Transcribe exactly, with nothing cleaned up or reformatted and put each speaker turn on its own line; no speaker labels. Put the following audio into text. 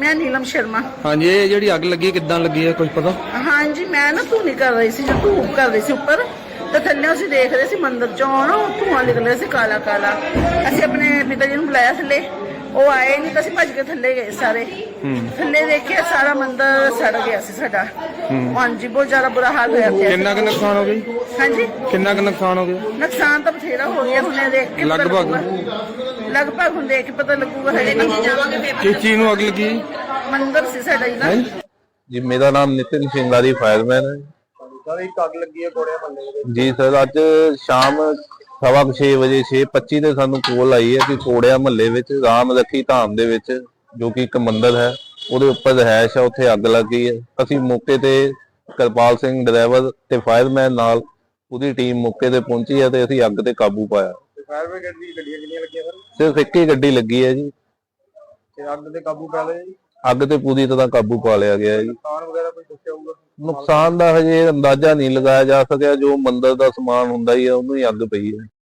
मैं नीलम शर्मा।
हाँ जी, ये जी अग लगी किदां लगी है कुछ पता?
हाँ जी, मैं ना धूनी कर रही थी, जो धूप कर रही थी उपर, तो थल्ले ਅਸੀਂ देख रहे थे मंदिर चो ना धुआं निकल रहा ਸੀ काला काला। ਅਸੀਂ ਆਪਣੇ पिता जी ਨੂੰ ਬੁਲਾਇਆ ਥੱਲੇ, ਉਹ ਆਏ ਨਹੀਂ ਤਾਂ ਅਸੀਂ ਭੱਜ ਕੇ ਥੱਲੇ ਗਏ ਸਾਰੇ। ਥੱਲੇ ਦੇਖਿਆ ਸਾਰਾ ਮੰਦਿਰ ਸੜ ਗਿਆ ਸੀ ਸਾਡਾ। ਹਾਂਜੀ, ਬਹੁਤ ਜ਼ਿਆਦਾ ਬੁਰਾ ਹਾਲ ਹੋਇਆ ਪਿਆ।
ਕਿੰਨਾ ਕੁ ਨੁਕਸਾਨ ਹੋ ਗਿਆ?
ਹਾਂਜੀ,
ਕਿੰਨਾ ਕੁ ਨੁਕਸਾਨ ਹੋ ਗਿਆ?
ਨੁਕਸਾਨ ਤਾਂ ਬਥੇਰਾ ਹੋ ਗਿਆ, ਹੁਣੇ ਦੇਖ ਕੇ
ਲਗਭਗ
ਲਗਭਗ ਹੁਣ ਦੇਖ ਕੇ ਪਤਾ ਲੱਗੂਗਾ। ਹਲੇ ਨਹੀਂ ਜਾਵਾਂਗੇ।
ਕਿਸ ਚੀਜ਼ ਨੂੰ ਅੱਗ ਲੱਗੀ?
ਮੰਦਿਰ ਸੀ ਸਾਡਾ ਜੀ ਨਾ।
जी मेरा नाम नितिन सिंगारी फायरमैन है।
सर एक अग लगी है घोड़े महल्ले
जी सर, अज शाम सवा छे बजे छे पच्ची ਤੇ ਸਾਨੂੰ ਕੋਲ ਆਈ ਹੈ ਕਿ ਕੋੜਿਆ ਮਹੱਲੇ ਵਿੱਚ ਰਾਮ ਰੱਖੀ ਧਾਮ ਦੇ ਵਿੱਚ ਜੋ ਕਿ ਇੱਕ ਮੰਦਿਰ ਹੈ ਉਹਦੇ ਉੱਪਰ ਰਹਿائش ਹੈ, ਉੱਥੇ ਅੱਗ ਲੱਗ ਗਈ ਹੈ। ਅਸੀਂ ਮੌਕੇ ਤੇ ਕਰਪਾਲ ਸਿੰਘ ਡਰਾਈਵਰ ਤੇ ਫਾਇਰਮੈਨ ਨਾਲ ਪੂਰੀ ਟੀਮ ਮੌਕੇ ਤੇ ਪਹੁੰਚੀ ਹੈ ਤੇ ਅਸੀਂ ਅੱਗ ਤੇ ਕਾਬੂ ਪਾਇਆ।
ਫਾਇਰ ਬ੍ਰਿਗੇਡ ਦੀ ਗੱਡੀਆਂ ਕਿੰਨੀਆਂ ਲੱਗੀਆਂ ਸਰ?
ਸਿਰਫ ਇੱਕ ਹੀ ਗੱਡੀ ਲੱਗੀ ਹੈ ਜੀ
ਤੇ ਅੱਗ ਤੇ ਕਾਬੂ ਪਾ ਲਿਆ ਜੀ?
ਅੱਗ ਤੇ ਪੂਰੀ ਤਰ੍ਹਾਂ ਕਾਬੂ ਪਾ ਲਿਆ ਗਿਆ ਹੈ ਜੀ।
ਨੁਕਸਾਨ ਵਗੈਰਾ ਕੋਈ ਦੱਸਿਆ ਹੋਊਗਾ?
ਨੁਕਸਾਨ ਦਾ ਹਜੇ ਅੰਦਾਜ਼ਾ ਨਹੀਂ ਲਗਾਇਆ ਜਾ ਸਕਿਆ, ਜੋ ਮੰਦਿਰ ਦਾ ਸਮਾਨ ਹੁੰਦਾ ਹੀ ਹੈ ਉਹਨੂੰ ਹੀ ਅੱਗ ਪਈ ਹੈ।